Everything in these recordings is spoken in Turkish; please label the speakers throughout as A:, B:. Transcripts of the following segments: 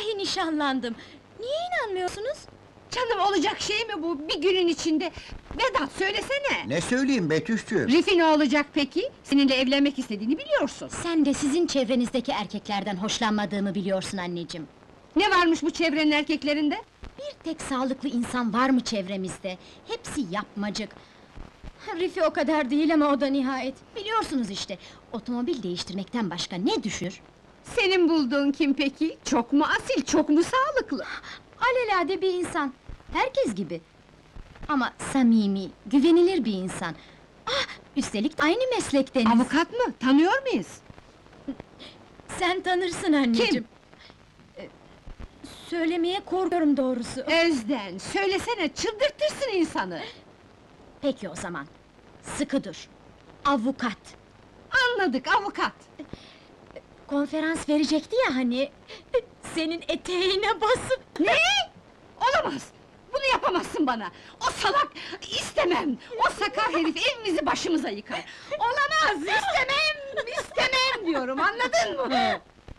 A: Vallahi nişanlandım! Niye inanmıyorsunuz?
B: Canım, olacak şey mi bu, bir günün içinde? Vedat, söylesene!
C: Ne söyleyeyim Betüş'cüğüm?
B: Rifi ne olacak peki? Seninle evlenmek istediğini biliyorsun.
A: Sen de sizin çevrenizdeki erkeklerden hoşlanmadığımı biliyorsun anneciğim.
B: Ne varmış bu çevrenin erkeklerinde?
A: Bir tek sağlıklı insan var mı çevremizde? Hepsi yapmacık. Rifi o kadar değil ama o da nihayet. Biliyorsunuz işte, otomobil değiştirmekten başka ne düşünür?
B: Senin bulduğun kim peki? Çok mu asil, çok mu sağlıklı?
A: Alelade bir insan, herkes gibi. Ama samimi, güvenilir bir insan. Ah, üstelik aynı meslekteniz.
B: Avukat mı? Tanıyor muyuz?
A: Sen tanırsın anneciğim.
B: Kim?
A: Söylemeye korkuyorum doğrusu.
B: Özden, söylesene, çıldırtırsın insanı!
A: Peki o zaman, sıkı dur. Avukat.
B: Anladık, avukat!
A: Konferans verecekti ya hani... Senin eteğine basıp...
B: Ne? Olamaz! Bunu yapamazsın bana! O salak! İstemem! O sakar herif evimizi başımıza yıkar! Olamaz! İstemem! İstemem diyorum, anladın mı?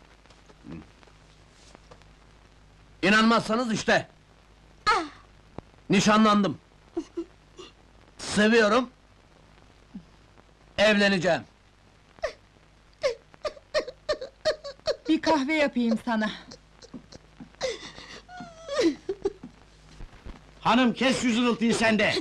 D: İnanmazsanız işte! Nişanlandım! Seviyorum! Evleneceğim!
E: Bir kahve yapayım sana.
F: Hanım, kes şu zırıltıyı sen de!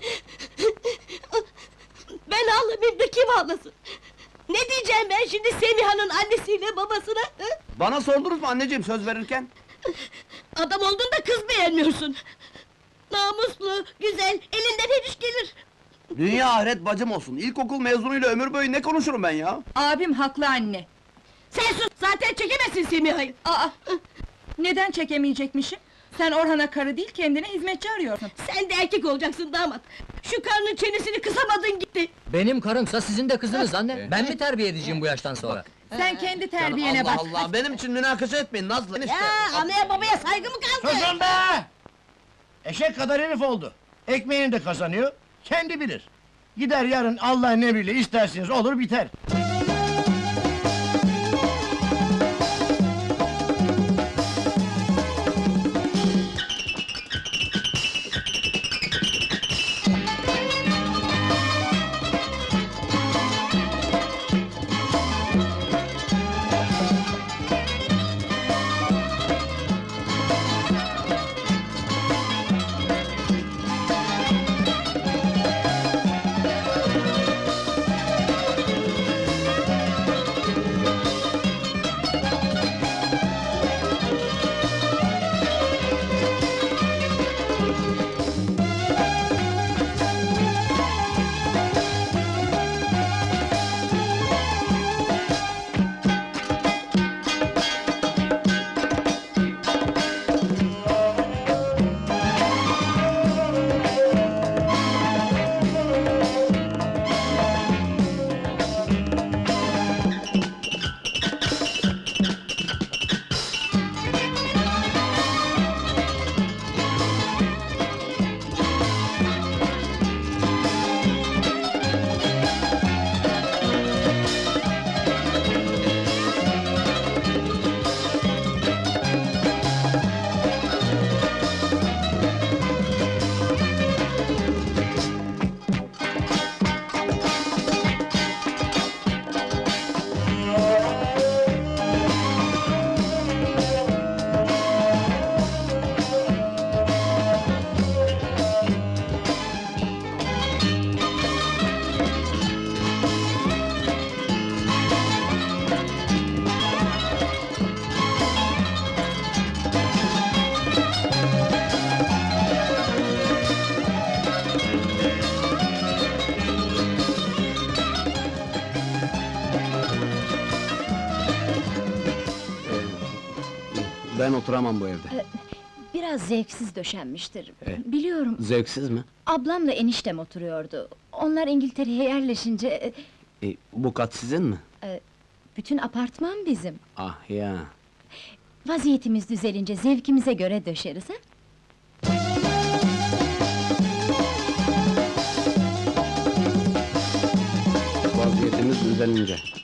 G: Ben ağlamayayım da kim ağlasın? Ne diyeceğim ben şimdi Semiha'nın annesiyle babasına? Hı?
D: Bana sordunuz mu anneciğim söz verirken?
G: Adam oldun da kız beğenmiyorsun! Namuslu, güzel, elinden her iş gelir!
D: Dünya ahiret bacım olsun, ilkokul mezunuyla ömür boyu ne konuşurum ben ya?
E: Abim haklı anne.
G: Sen sus, zaten çekemezsin Semiha'yı!
E: Aa! Neden çekemeyecekmişim? Sen Orhan'a karı değil, kendine hizmetçi arıyorsun.
G: Sen de erkek olacaksın damat! Şu karnın çenesini kısamadın gitti!
H: Benim karımsa sizin de kızınız anne. Ben mi terbiye edeceğim bu yaştan sonra?
E: Sen kendi terbiyene
D: Allah
E: bak.
D: Allah, benim için münakaşa etmeyin Nazlı enişte!
G: Ya, anaya babaya saygı mı kaldı?
F: Susun be! Eşek kadar herif oldu. Ekmeğini de kazanıyor, kendi bilir. Gider yarın Allah'ın emriyle isterseniz olur biter.
D: Ben oturamam bu evde.
A: Biraz zevksiz döşenmiştir. Biliyorum,
D: Zevksiz mi?
A: ablamla eniştem oturuyordu. Onlar İngiltere'ye yerleşince...
D: Bu kat sizin mi?
A: Bütün apartman bizim.
D: Ah ya!
A: Vaziyetimiz düzelince zevkimize göre döşeriz ha?
D: Vaziyetimiz düzelince.